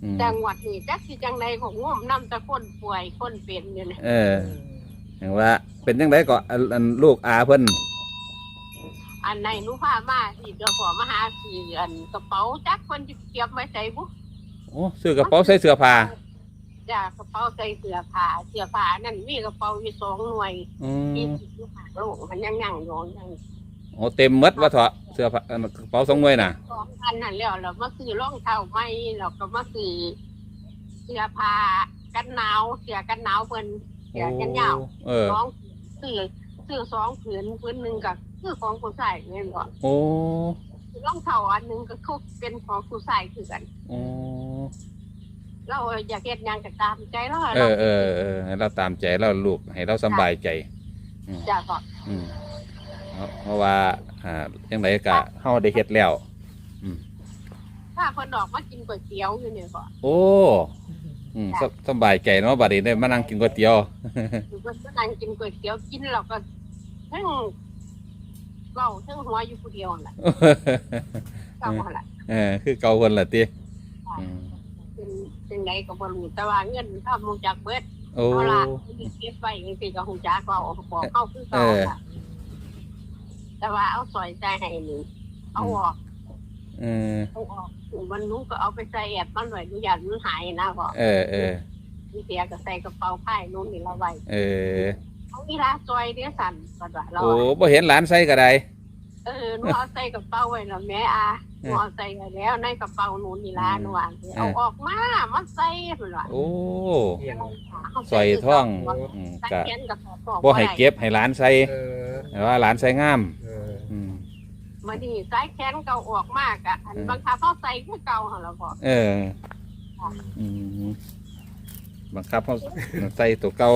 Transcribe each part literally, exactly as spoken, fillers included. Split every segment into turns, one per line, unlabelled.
จังหวัดนี่จักสิจังใดของง่วมนำแต่คนป่วยคนเป็นอยู่นี่
เออเห็นว่าเป็นจังไดก็อันลูกอาเพิ่น
อันไหนหนูพามาสิเจ้าของมาหาสิอันกระเป๋าจักคนจะเก็บไว้ใส่บุ
โอ้ซื้อกระเป๋าใส่เสื้อผ้า
จ้ากระเป๋าใส่เสื้อผ้าเสื้อผ้านั่นมีกระเป๋าอยู่สองหน่วยที่อยู่ข้างโลกมันยังยังอยู่ยัง
โอ้เต็มหมดว่าเถอะเสื้อผ้ากระเป๋าสองหน่วยน่ะ
สองพันนั่นแล้วเรามาซื้อรองเท้าใหม่เราก็มาซื้อเสื้อผ้ากันหนาวเสื้อกันหนาวเพิ่นเสื้อกันยาวสองซื้อซื้อสองผืนผืนหนึ่งกับคือของผู้ชายเนี่ยบ่
โอ้
รองเท้าอันหนึ่งก็คือเป็นของผู้ชายคือกัน
โอ้
เราอยากเฮ็ดหยังก็ตามใจเรา
เออเออเออให้เราตามใจเราลูกให้เราสบายใจ
จ้าก็
อืมเพราะว่าอ่าจังไดก็เฮาได้เฮ็ดแล้วอืม
ถ้าเพิ่นออกมากินก๋วยเตี๋ยวอยู่เนี่ยก็
โอ้อืมสบายใจเนาะบัดนี้ได้มานั่งกินก๋วยเตี๋ยว
อยู่ก็นั่งกินก๋วยเตี๋ยวกินแล้วก็ทั้งเว้าทั้งหัวอยู่ผู้เดียวนั่นแหละเก่าหั่นล่ะ
เออคือเก่าคนล่ะติ
อืมเป็นจังไดก็บ่รู้แต่ว่าเงินทำรู้จักเบิด
โอ้
เอาล่ะเก็บไว้จังซี่ก็ฮู้จักก็บอกเฮาคือเก่าค่ะแต่ว่าเอาซอยใจให้นี่เอาออก
เออ
เอาออกมันนู้ก็เอาไปใส่แอบมันไว้ดูอย่างมันหายนะพ่อ
เออเออ
มีเสียก็ใส่กระเป๋าผ้านู้นนี่ละไว้
เออ
เอาอีลาซอยเดี๋ยวสั่นก็ว่าเรา
โอ้บ่เห็นหลานใส่ก็ได้
เออหนูเอาใส่กระเป๋าไว้แล้วแม่อาหนูเอาใส่ไว้แล้วในกระเป๋านู้นนี่ล่ะหนูว่าเอาออกมามาใส่พุ่นล่ะ
โอ้ซอยท่องอืมก็บ่ให้เก็บให้หลานใส่เออแต่ว่าหลานใส่งามเอออืม
มาดีสายแขนเก่าออกมากอ่ะอันบางครั้งเขาใส่คือเก่าเหรอเราบอก
เอออืมบางครั้งเขาใส่ตัวเก่า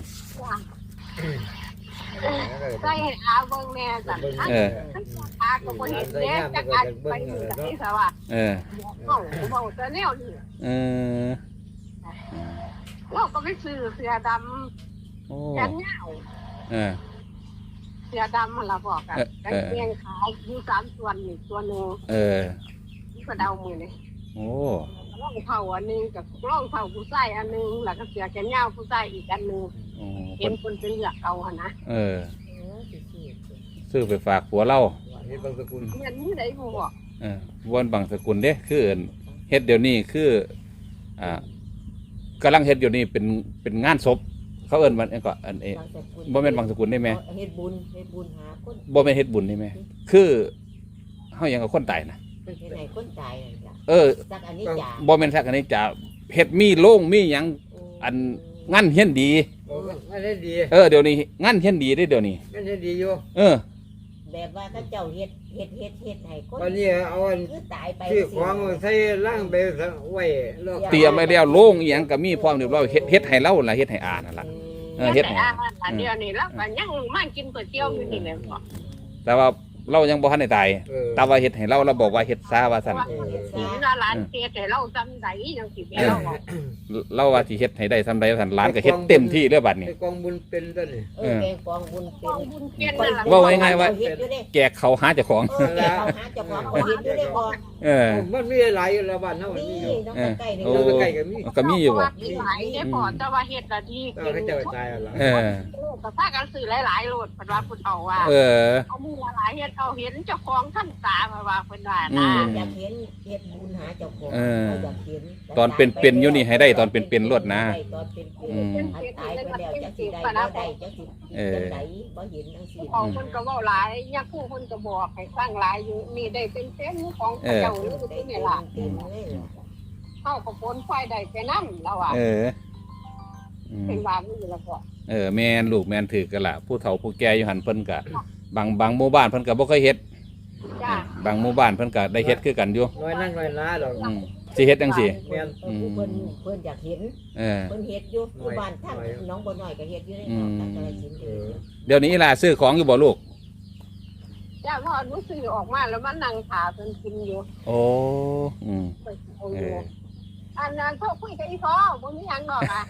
ใส่ให้อาเบิ้งแน่สั่นเอออาก็บ่เห็นแน่จักอาไปอยู่ไหนซะว่า
เออ
เขาบอกจะแนวนี่
เออ
เราก็ไปซื้อเสื้อดำแขนยาว
เออ
เสื้อดำมันเราบอกกันกางเกงขายอยู่สามส่วนนี่ตัวหนึ่ง
เออ
นี่ก็เดามือเลย
โอ้
ร่องเผาอันนึงกับร่องเผาผู้ชายอันนึงแล้วก็เสื้อแขนยาวผู้ชายอีกอันนึงเห็นคนเป็นเหลือกเอาหนะ
เออซื้อไปฝากผัวเล่า
เฮ็ดบางสกุลเงินนี่ได้บ่บอก
เออวนบางสกุลเด้คือเฮ็ดเดี๋ยวนี้คืออ่ากำลังเฮ็ดเดี๋ยวนี้เป็นเป็นงานศพเขาเอิ้นมันก็อันเอบ่แม่นบางสกุลได้ไหม
เฮ็ดบุญเฮ็ดบุญหาคน
บ่แม่นเฮ็ดบุญได้ไหมคือเฮายังกับคนตายนะ
เฮ็ดให้คนตายจ้ะ
เออ
สักอันนี้จ้ะ
บ่แม่นสักอันนี้จ้ะเฮ็ดมีโล่งมีหยังอันงานเฮียนดี
งานเฮียนดี
เออเดี๋ยวนี้งานเฮียนดีได้เดี๋ยวนี้
งานเฮียนดีอยู่
เออ
แบบว่าเขาเจ้าเฮ็ดเฮ็ดเฮ็ดเฮ็ดให้คน
ตอนนี้เอาอัน
คือตายไป
ซื้อของใส่ล่างไปไว้
เตรียมไว้แล้วโล่งอีหยังก็มีพร้อมเรียบร้อยเฮ็ดเฮ็ดให้เราล่ะเฮ็ดให้อานั่นล่ะ
เออเฮ็ดให้อาเดี๋ยวนี้แล้วก็ยังมากินก๋วยเตี๋ยวอยู่นี่แหละบ่
แต่ว่าเรายังบ่ทันได้ตายแต่ว่าเฮ็ดให้เราเราบอกว่าเฮ็ดซาว่าซั่น
สิว่าหลานเฮ็ดให้เราจำได้จังสิแม่เราบอก
เราว่าสิเฮ็ดให้ได้ซำใดซั่นหลานก็เฮ็ดเต็มที่เด้อบัดนี้
กองบุญเป็นซั่นนี่
เออแกงกองบุญเป็น
ว่าง่ายๆว่าแจกเขาหาเจ้าของ
เออแจกเขาหาเจ้าของเฮ็ดอยู่ได้บ่
เออ
มันมีหลายอยู่แล้วบ้านเฮามันมีอยู่
น้องใกล้นี่
น้องใกล้ก็มีก็มีอยู่บ่
หลายได้พอแต่ว่าเฮ็ดละดี
เก็บเจ้าตายแล้ว
เออ
ก็พากันซื้อหลายๆโลดเพิ่นว่าเพิ่นเอาว่า
เออ
เอามือหลายเฮ็ดเอาเห็นเจ้าของท่านตาว่าเพิ่นว่านะ
อยากเห็นเฮ็ดบุญหาเจ้าของอยากเห็น
ตอนเป็นๆอยู่นี่ให้ได้ตอนเป็นๆรวดนะ
ตอนเป็นๆตายไปแล้วจักสิได้บ่ได้จักสิเออได้บ่เห็นจังซี่
ของเพิ่นก็เว้าหลายยาคู่เพิ่นก็บอกให้ฟังหลายอยู่นี่ได้เป็นเส้นของเจ้าหรือที่นี่ล่ะเฮาก็ผลไฟได้ไปนำแล้วอ่ะ
เออ
เป็นว่านี่ล่ะพ่อ
เออแม่นลูกแม่นถือกันล่ะผู้เฒ่าผู้แก่อยู่หั่นเพิ่นก็บางบางหมู่บ้านเพิ่นก็บ่เคยเฮ็ดบางหมู่บ้านเพิ่นก็ได้เฮ็ดคือกันอยู่
น้อยนั่งน้อยล้าดอก
สิเฮ็ดจังซี่
แม่น
เพิ่นเพิ่นอยากเห็นเออเพิ่นเฮ็ดอยู่หมู่บ้านทั้งน้องบ่น้อยก็เฮ็ดอยู่ในหมู่บ้าน
เดี๋ยวนี้ล่ะซื้อของอยู่บ่ลูก
จ้าพ่อหนูซื้อออกมาแล้วมานั่งถาเพิ่นกินอยู่
โอ้อืม
เอออันนั้นพวกคุยกับอีพ่อบ่มีหยังดอกอ่ะ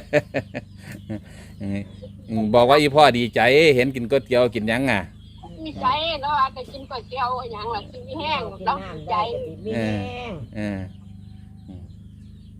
บอกว่าอีพ่อดีใจเห็นกินก๋วยเตี๋ยวกินหยังอ่ะ
มีใจแล้วว่าจะกินก๋วยเตี๋ยวหยังล่ะกินมีแห้งแล้วใจ
มีแห้ง
เออ
เ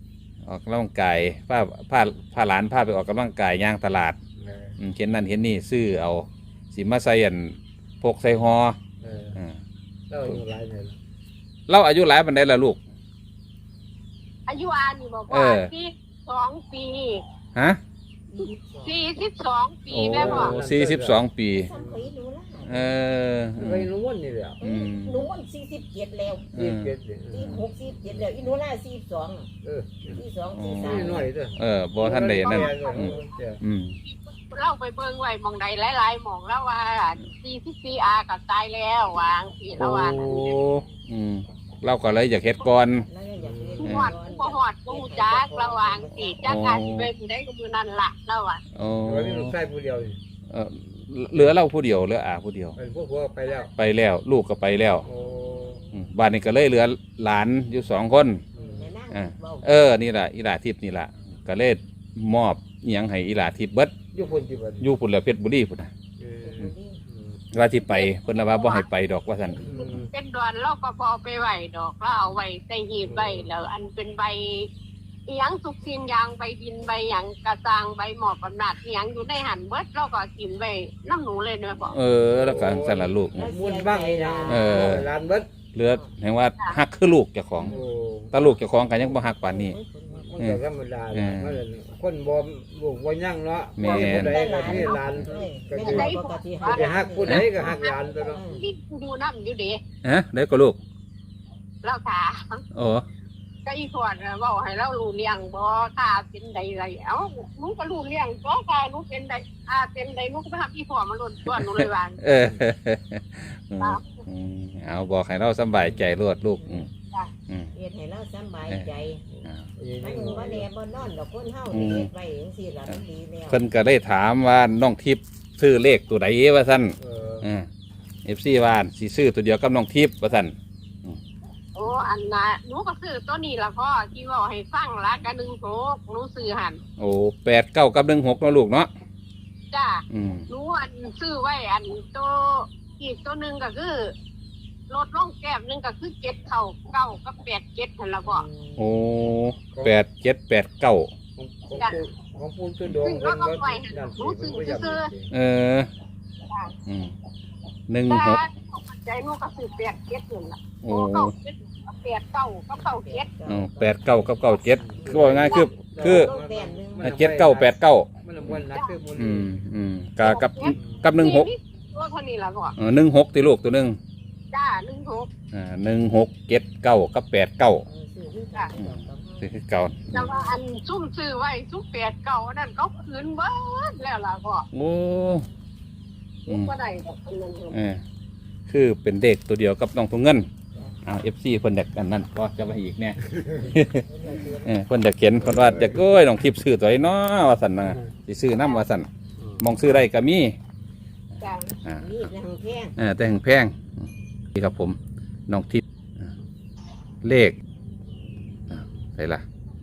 อกกำลังกายพาพาพาหลานพาไปออกกำลังกายย่างตลาด
เออ
อืมเห็นนั่นเห็นนี่ซื้อเอาสิมาใส่อันพกใส่หอ
เออ
อ่า
เราอยู่หลายเนี่ย
เราอายุหลายปานใดล่ะลูก
อายุอานี่บอก
เอ
ว่า
อ
สี่สองปี
ฮะ
สี่สิบสองปี
โอ้
แม่บอก
สี่สิบสองปี
ซ้ำเคยหนูละ
เออ
ไปรู้ว่านี่แหละ
อืม
หนูวันสี่สิบเจ็ดแล้ว
อื
ยี่
ม
สิบเจ็ดเนี่ย
สี่หกสี่เจ็ดแล้วอีหนูละสี่สอง
เออ
สี่สองสี่สาม
นี่หน่อยเด้อ
เออบ่ท่านได้นั่นอืมอืม
เล่าไปเบิ่งไว้หมองใดหลายๆหมองแล้วว่าสี่สิบสี่อากับตายแล้ววางสี
โอ้
แล้วว่า
อืมเราก็เลยอยากเฮ็ดก่อน
แล้วอยากเรียน
หอดบ่หอดบ่ฮู้จักระหว่างสีจากการสิเป็นได้ก็มือนั่นล่ะแล้วว่า
โอ้
วันนี้ลูกชายผู้เดียวนี่
เออเหลือเราผู้เดียวเหลืออาผู้เดียว
เป็นพวกพวกไปแล้ว
ไปแล้วลูกก็ไปแล้ว
โอ้
อืมบ้านนี้ก็เลยเหลือหลานอยู่สองคน
อืม
แม่นั่ง
อ่า
เว้า
เออนี่แหละอีหลาทิพย์นี่แหละก็เลยมอบอิหยังให้อีหลาทิพย์เบิด
อยู่คนที่บ้าน
อยู่พุ่นแล้วเพชรบุรีพุ่นน่ะ
เออ
อยู่ดี
อืม
ว่าที่ไปเพิ่นละว่าบ่ให้ไปดอกว่าซั่น
อืม
เป็นดอนเราก็บ่เอาไปไว้ดอกแล้วเอาไว้ใส่หีบไว้แล้วอันเป็นใบอีหยังสุกสินยางใบดินใบหยังกระซังใบหมอบอำนาจอีหยังอยู่ในหันเบิดเราก็กินไว้น้ำหนูเลยเนาะพ่อ
เออแล้วก็สั่นละลูก
มุนบ้างอีหยัง
เออ
ร้านเบิด
เหลือแห่งว่าฮักคือลูกเจ้าของ
โอ้
ตาลูกเจ้าของก็ยังบ่ฮักปานนี้
มันก็ธรรมดาแหละมันคนบ่ลูกบ่ยั่งเนาะ
แม่น
ผู้ใดก็มีหลานก็คือ
ได้ปกติ
ก็จะฮักผู้ใดก็ฮักหลานตัวเนาะ
นี่ดูน้ำอยู่เด้
ฮะได้ก็ลูก
เราถาม
โอ้
ก็อีส่วนเว้าให้เรารู้เลี้ยงบ่ถ้าเป็นใดไรเอ้าหนูก็รู้เลี้ยงบ่ถ้าหนูเป็นใดอ่าเป็นใดหนูก็ไปหาอีพ่อมาลุ้นตัวหนูเลยว่า
เอออืมอืมเอาบอกให้เราสำบายใจรวดลูกอืมอืม
เฮ็ดให้เราสบายใจ
อ่า
มันบ่แน่บ่นอนดอกคนเฮาเฮ็ดไว้จังซี่ล่ะมันดีแล้ว
เพิ่นก็ได้ถามว่าน้องทิพย์ซื้อเลขตัวใดว่าซั่น
เออ
อ่า เอฟ ซี ว่าสิซื้อตัวเดียวกับน้องทิพย์ว่าซั่น
โอ้อันน่ะหนูก็ซื้อตัวนี้ล่ะพ่อที่เว้าให้ฟังละก็หนึ่งโถหนูซื้อหั่น
โอ้แปดเก้ากับหนึ่งหกเนาะลูกเนาะ
จ้า
อืม
หนูอันซื้อไว้อันตัวอีกตัวหนึงก็คือรถล่องแก้มหนึงก็คือเจ็ดเข่าเก้ากับแปดเจ็ดหั่นล่ะพ่อ
โอ้แปดเจ็ดแปดเก้า
ของของผู้ของผู้ชุดดวง
ซึ่งเราก็ปล่อยให้หนูซื้อซื้อ
เออ อืมหนึ่ง
แต่
หก
ใจหนูก็ซื้อแปดเจ็ดนั่นล่ะ
โอ้
โอ้เก้าเจ็ดแปดเก้ากับเก้าเจ็ด
อ๋อแปดเก้ากับเก้าเจ็ดคือว่าง่ายคือคือ
ต้องแต้มหนึง
เจ็ดเก้าแปดเก้า
มันละวันนักคือมัน
อืมอืมกับกับกับหนึ่งหก
ตัวเท่านี้ล่ะพ่อ
เออหนึ่งหกตีลูกตัวหนึ่ง
จ้าหนึ่งหก
อ่าหนึ่งหกเจ็ดเก้ากับแปดเก้า
เออซื้อคือกันดอกกับเฮา
คือเก่า
แต่ว่าอันซุ่มซื้อไว้ซุ่มแปดเก้าอันนั้นเขาคืนเบิดแล้วล่ะพ่อ
โอ้อื
ลูก
ม
ก็ได้ดอกเป็นเงินเดือน
เออคือเป็นเด็กตัวเดียวกับน้องทุงเงินอ่าเอฟซีเพิ่นเด็กกันนั่นก็จะมาอีกเนี่ยเออเพิ่นจะเขียนเพิ่นว่าจะโก้ยน้องทิพย์ซื้อตัวไอ้น้อว่าสั่นนะสิซื้อน้ำว่าสั่นมองซื้อได้ก็มี
จ้า
อ่า
มีดนางแพง
เออแต่แห่งแพงนี่ครับผมน้องทิพย์อ่าเลขอ่าไปละ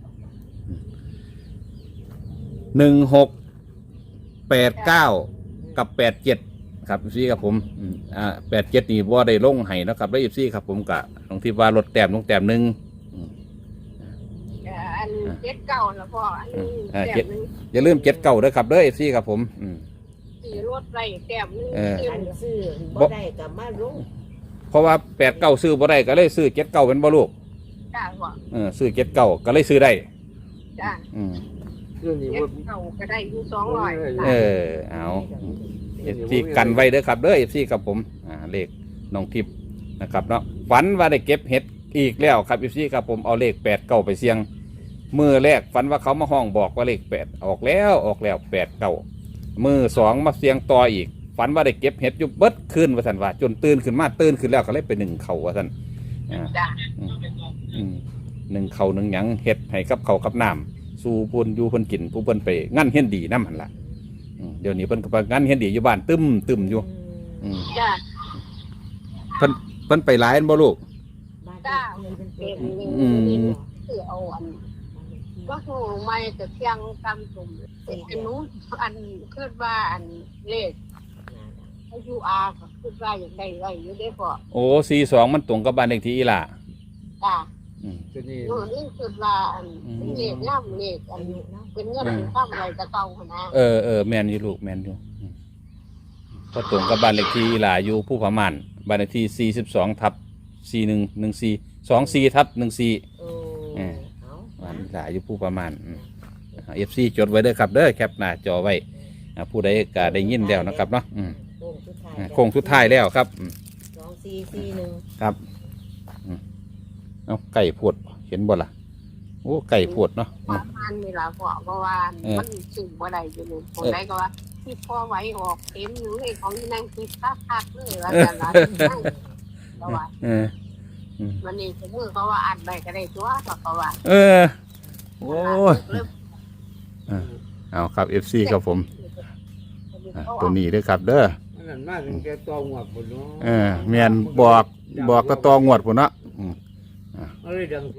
หนึ่งหกแปดเก้ากับแปดเจ็ดครับซี่ครับผมอืมอ่าแปดเจ็ดนี่ว่าได้ลงให้นะครับแล้วอีซี่ครับผมกะน้องทิพย์ว่าลดแต้มลงแต้มหนึ่งอืม
แต่อันเจ็ดเก้าแล้วพ่ออันนี้
อ่า
แต้
เจ็ด
มหนึง
อย่าลืมเจ็ดเก้าด้วยครับเด้อเอฟซีครับผมอืม
ซื้อรถไรแต้มหนึง
เออ
ซื้อ
อันซื้อบ่ได้ก็มาลง
เพราะว่าแปดเก้าซื้อบ่ได้ก็เลยซื้อเจ็ดเก้าเป็นบ่ลูก
จ้าพ่อ
เออซื้อเจ็ดเก้าก็เลยซื้อได้
จ้า
อืม
เรื่องนี้
เจ็
ว่า
ดเก้าก็ได้อยู่สองร้อย
เออเอาเอฟซีกันไว้เด้อครับเด้อเอฟซีครับผมอ่าเลขน้องทิพย์นะครับเนาะฝันว่าได้เก็บเห็ดอีกแล้วครับเอฟซีครับผมเอาเลขแปดเก้าไปเสี่ยงมือแรกฝันว่าเขามาห้องบอกว่าเลขแปดออกแล้วออกแล้วแปดเก้ามือสองมาเสี่ยงต่ออีกฝันว่าได้เก็บเห็ดอยู่เบิดคืนว่าสันว่าจนตื่นขึ้นมาตื่นขึ้นแล้วก็เลยไปหนึ่งเขาว่าสันอ่า
จ้า
อืมหนึ่งเขาหนึ่งหยังเห็ดให้กับเขากับน้ำสู่พูนอยู่เพิ่นกินผู้เพิ่นไปงั้นเห็นดีน้ำหันละอืมเดี๋ยวนี้เพิ่นก็ไปงั้นเห็นดีอยู่บ้านตึมตึมอยู่อืม
จ้า
เพิ่นเพิ่นไปหลายอันบ่ลูก
จ้าเงินเป็นตัว
อืม
ซื้อเอาอันก็หูไม่แต่เพียงกำตุ่มอันนู้นอันคิดว่าอันเลขอายุอาก็คิดว่าอย่างใดไรอยู่ได้พ่อ
โอ้สี่สองมันตรงกับบ้านเลขที่อีหล่า
จ้า
โอืม
ตัวนี้
หนูนี่คือว่าอันเป็นเลขย่ำเลขอั
อาน ยุเนาะ
เป็นเงินเป็นข้ามอะไรจะเก่าขนาด
เออเออแมนอยู่ลูกแมนอยู่อืมพอตรงกับบ้านเลขที่หลาอยู่ผู้พม่านบ้านเลขที่สี่สิบสองทับสี่หนึ่งหนึ่งสี่สองสี่ทับหนึ่งสี่
โอ้
เออ
เอา
บ้านหลาอยู่ผู้ประมาณเอฟซีจดไว้เด้อครับเด้อแคปหน้าจอไว้อ่าผู้ใดก็ได้ยินแล้วนะครับเนาะอืม
โค้งสุดท้าย
อ่าโค้งสุดท้ายแล้วครับอืม
สองสี่สี่หนึ่ง
ครับอืมเอาไก่พวดเห็นบ่ล่ะโอ้ไก่พวดเนาะอื
ว่าม มันมีหลายพวกเพราะว่า
เออ
มันสิ่งบ่ได้อยู่นี่คนใดก็ว่าที่พ่อไว้ออกเต็มอยู่เลยของที่นั่งคิดคักคักเลยว่าแต่ละนั่งเพราะว่า
เอออืม
วันนี้ผมมือเขาว่าอ่านได้ก็ได้ตัวเขาว่า
เออโอ้ยอ่าเอาครับเอฟซีครับผมอ่าตัวนี้เด้อครับเด้อ
อันนั้นมาถึงแกตัวหัวพุ่นเนาะ
เออแม่นบอกบอกก็ตองวดพุ่นเนาะอืม
เอาเลยดัง